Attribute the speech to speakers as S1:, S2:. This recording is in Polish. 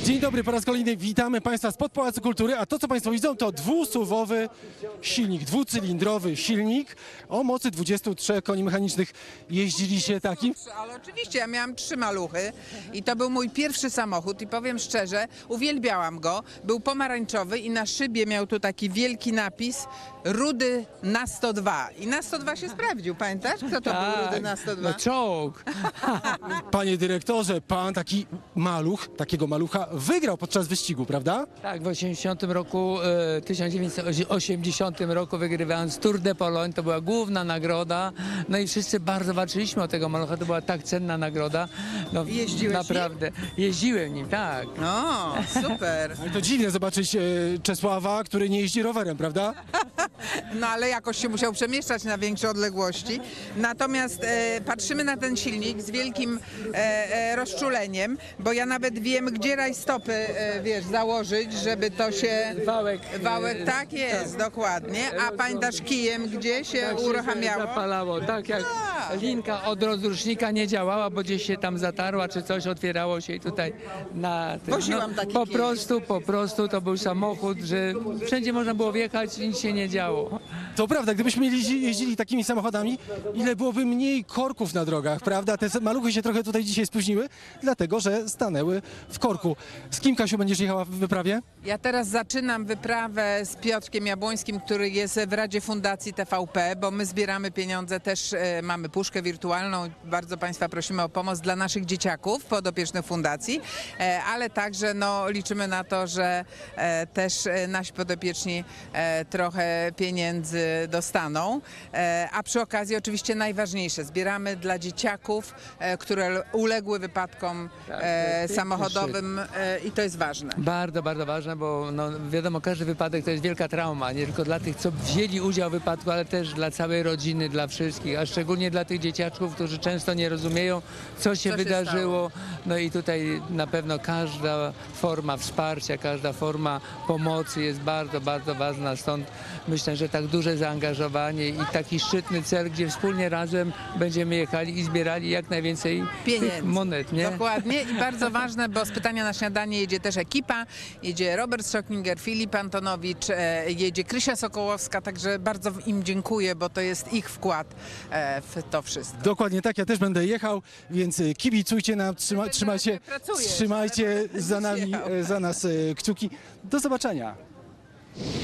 S1: Dzień dobry, po raz kolejny witamy Państwa spod Pałacu Kultury, a to co Państwo widzą to dwusuwowy silnik, dwucylindrowy silnik o mocy 23 koni mechanicznych. Jeździliście takim?
S2: Ale oczywiście, ja miałam 3 maluchy i to był mój pierwszy samochód i powiem szczerze, uwielbiałam go. Był pomarańczowy i na szybie miał tu taki wielki napis Rudy na 102. I na 102 się sprawdził, pamiętasz? Kto to był Rudy na 102?
S3: No czołg.
S1: Panie dyrektorze, Pan taki maluch, takiego malucha wygrał podczas wyścigu, prawda?
S3: Tak, w 1980 roku wygrywając Tour de Pologne, to była główna nagroda. No i wszyscy bardzo walczyliśmy o tego malucha, to była tak cenna nagroda. No,
S2: Jeździłeś
S3: naprawdę. Jeździłem nim, tak.
S2: No, super.
S1: Ale to dziwne zobaczyć Czesława, który nie jeździ rowerem, prawda?
S2: No ale jakoś się musiał przemieszczać na większe odległości. Natomiast patrzymy na ten silnik z wielkim rozczuleniem, bo ja nawet wiem, gdzie rajstopy, wiesz, założyć, żeby to się... Wałek, tak jest, dokładnie. A pamiętasz kijem, gdzie się
S3: Tak się
S2: uruchamiało?
S3: zapalało, tak jak linka od rozrusznika nie działała, bo gdzieś się tam zatarła, czy coś otwierało się i tutaj na tym.
S2: Woziłam taki
S3: po prostu to był samochód, że wszędzie można było wjechać i nic się nie działo.
S1: To prawda, gdybyśmy jeździli takimi samochodami, ile byłoby mniej korków na drogach, prawda? Te maluchy się trochę tutaj dzisiaj spóźniły, dlatego że stanęły w korku. Z kim, Kasiu, będziesz jechała w wyprawie?
S2: Ja teraz zaczynam wyprawę z Piotrkiem Jabłońskim, który jest w Radzie Fundacji TVP, bo my zbieramy pieniądze, też mamy puszkę wirtualną. Bardzo Państwa prosimy o pomoc dla naszych dzieciaków podopiecznych fundacji, ale także no, liczymy na to, że też nasi podopieczni trochę pieniędzy dostaną. A przy okazji oczywiście najważniejsze, zbieramy dla dzieciaków, które uległy wypadkom samochodowym i to jest ważne.
S3: Bardzo, bardzo ważne, bo no, wiadomo, każdy wypadek to jest wielka trauma, nie tylko dla tych, co wzięli udział w wypadku, ale też dla całej rodziny, dla wszystkich, a szczególnie dla tych dzieciaczków, którzy często nie rozumieją, co się wydarzyło. No i tutaj na pewno każda forma wsparcia, każda forma pomocy jest bardzo, bardzo ważna, stąd myślę, że tak duże zaangażowanie i taki szczytny cel, gdzie wspólnie razem będziemy jechali i zbierali jak najwięcej
S2: Pieniędzy.
S3: tych monet, nie?
S2: Dokładnie i bardzo ważne, bo z Pytania na śniadanie jedzie też ekipa, jedzie Robert Schoklinger, Filip Antonowicz, jedzie Krysia Sokołowska, także bardzo im dziękuję, bo to jest ich wkład w to wszystko.
S1: Dokładnie tak, ja też będę jechał, więc kibicujcie nam,
S2: Pracujesz,
S1: trzymajcie
S2: ale
S1: za nami,
S2: jechał.
S1: za nas kciuki. Do zobaczenia.